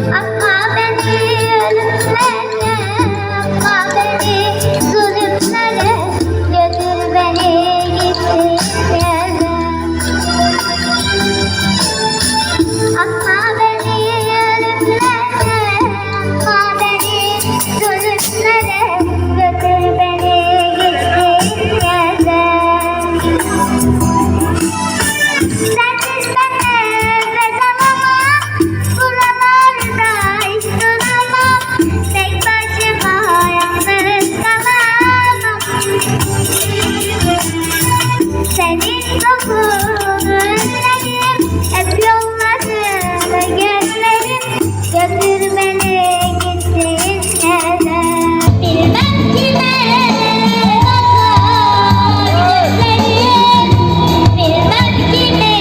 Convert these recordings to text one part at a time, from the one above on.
Atma beni ölümlere, atma beni zulümlere, götür beni gittiğin yere. Atma beni ölümlere, atma beni zulümlere, götür beni gittiğin yere. Sensiz ben nefes alamam, buralarda hiç duramam, tek başıma yalnız kalamam. Senin kokunu özledim, hep yollarını gözlerim, götür beni gittiğin yere. Bilmem kime bakar gözlerim, bilmem kime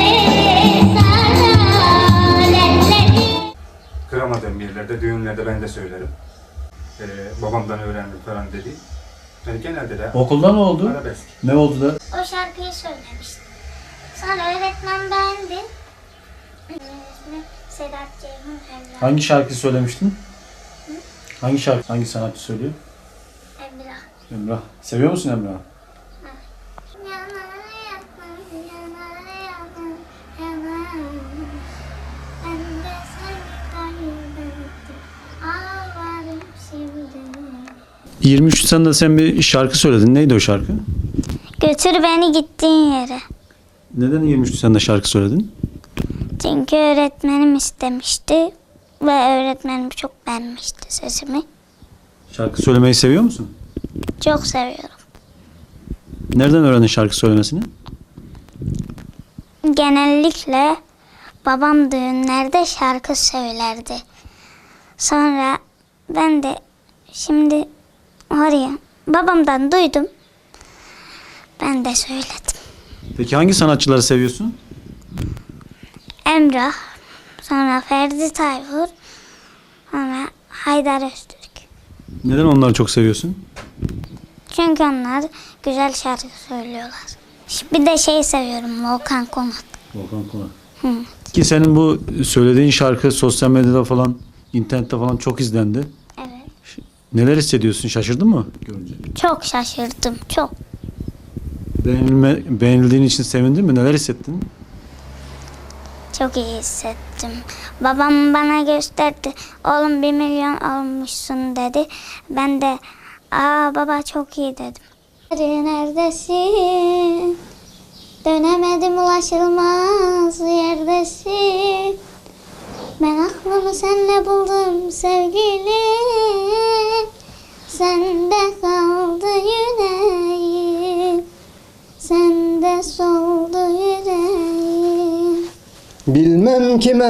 sarar ellerim. Kıramadığım yerlerde, düğünlerde ben de söylerim. Babamdan öğrendim falan dedi. Yani genelde de Okulda ne oldu? arabesk. Ne oldu da? O şarkıyı söylemiştim. Sonra öğretmen beğendi. İsmi Sedat Ceyhun Emrah. Hangi şarkı söylemiştin? Hangi şarkı? Hangi sanatçı söylüyor? Emrah. Emrah. Seviyor musun Emrah? Yanar yanar, yanar yanar, yanar. Ben de seni kaybettim, ağlarım şimdi. 23 Nisan'da sen bir şarkı söyledin. Neydi o şarkı? Götür beni gittiğin yere. Neden 23 Nisan'da şarkı söyledin? Çünkü öğretmenim istemişti ve öğretmenim çok beğenmişti sesimi. Şarkı söylemeyi seviyor musun? Çok seviyorum. Nereden öğrendin şarkı söylemesini? Genellikle babam düğünlerde şarkı söylerdi. Sonra ben de şimdi oraya babamdan duydum. Ben de söyledim. Peki hangi sanatçıları seviyorsun? Emrah, sonra Ferdi Tayfur, sonra Haydar Öztürk. Neden onları çok seviyorsun? Çünkü onlar güzel şarkı söylüyorlar. Bir de seviyorum, Volkan Konak. Volkan Konak. Hı. Ki senin bu söylediğin şarkı sosyal medyada falan, internette falan çok izlendi. Evet. Neler hissediyorsun? Şaşırdın mı görünce? Çok şaşırdım, çok. Beğenildiğin için sevindin mi? Neler hissettin? Çok iyi hissettim. Babam bana gösterdi. Oğlum 1 milyon olmuşsun dedi. Ben de baba çok iyi dedim. Neredesin? Dönemedim ulaşılmaz yerdesin. Ben aklımı senle buldum sevgilim. Sende kaldı yüreğim. Sende soldu yüreğim. Bilmem kime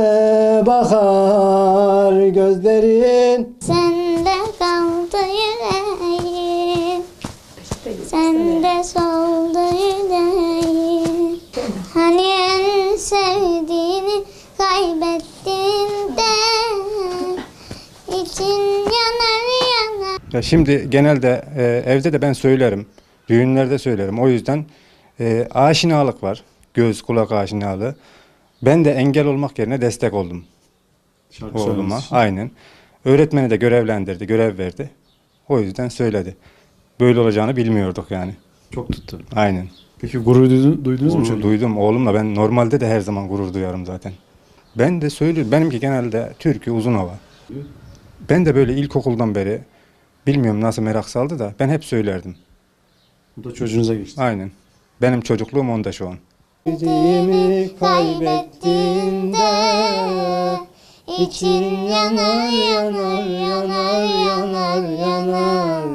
bakar gözlerin. Sende kaldı yüreğim. Sende soldu yüreğim. Hani en sevdiğini kaybettiğinde için yanar yanar. Ya şimdi genelde evde de ben söylerim. Düğünlerde söylerim. O yüzden aşinalık var. Göz kulak aşinalığı. Ben de engel olmak yerine destek oldum Şarkı oğluma. söylemesi için. Aynen. Öğretmeni de görevlendirdi, görev verdi. O yüzden söyledi. Böyle olacağını bilmiyorduk yani. Çok tuttu. Aynen. Peki gurur duydunuz mu Gurur çocuk? duydum oğlumla. Ben normalde de her zaman gurur duyarım zaten. Ben de söylüyorum. Benimki genelde türkü, uzun hava. Ben de böyle ilkokuldan beri bilmiyorum nasıl merak saldı da ben hep söylerdim. Bu da çocuğunuza geçti. Aynen. Benim çocukluğum onda şu an. Sevdiğimi kaybettiğinde için yanar yanar yanar yanar yanar.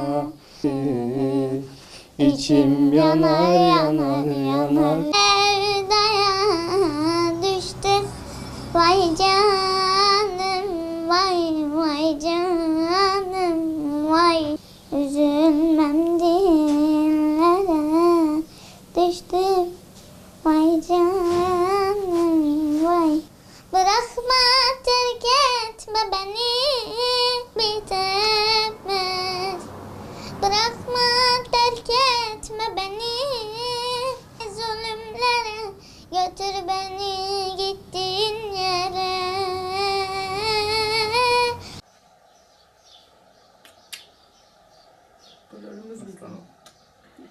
İçim yanar yanar yanar. Sevdaya düştüm. Vay canım, vay vay canım, vay. Üzülmem dillere düştüm. Vay canım, vay. Bırakma, terk etme beni, bitemez. Bırakma, terk etme beni, zulümlere götür beni gittiğin yere. Gururumuz bizim.